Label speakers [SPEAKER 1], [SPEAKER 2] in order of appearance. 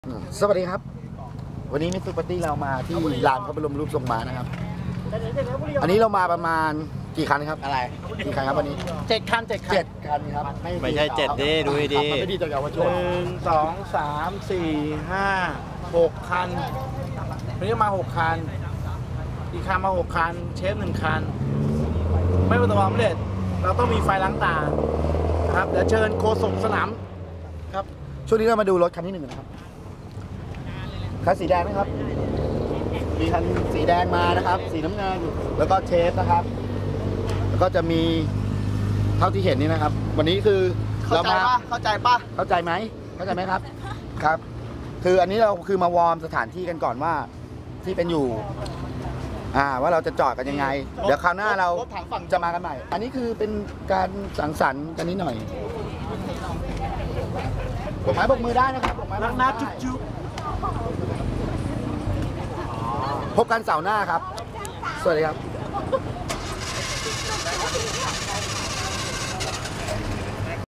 [SPEAKER 1] สวัสดีครับวันนี้มิสซูปาร์ตี้เรามาที่ลานพระบรมรูปทรงม้านะครับอันนี้เรามาประมาณกี่คันครับอะไรกี่คันครับวันนี้7 คันครับ
[SPEAKER 2] ไม่ใช่7ดิดูดี
[SPEAKER 1] ไม่ดีต่อเยาวชน
[SPEAKER 3] 1 2 3 4 5 6 คันวันนี้มา6 คันอีกคันมา6 คันเชฟ1 คันไม่ประสบความสำเร็จเราต้องมีไฟล้างตาครับเดี๋ยวเชิญโฆษกสนามครับ
[SPEAKER 1] ช่วงนี้เรามาดูรถคันที่1นะครับคันสีแดงนะครับมีคันสีแดงมานะครับสีน้ำเงินแล้วก็เชฟนะครับแล้วก็จะมีเท่าที่เห็นนี่นะครับวันนี้คือเรามา
[SPEAKER 3] เข้าใจ
[SPEAKER 1] ไหมครับครับคืออันนี้เราคือมาวอร์มสถานที่กันก่อนว่าที่เป็นอยู่ว่าเราจะจอดกันยังไงเดี๋ยวคราวหน้าเราจะมากันใหม่อันนี้คือเป็นการสังสรรค์กันนิดหน่อยบกไม้บกมือได้นะครับบกไม้บกมือได้
[SPEAKER 3] จุ๊บ
[SPEAKER 1] พบกันเสาร์หน้าครับสวัสดีครับ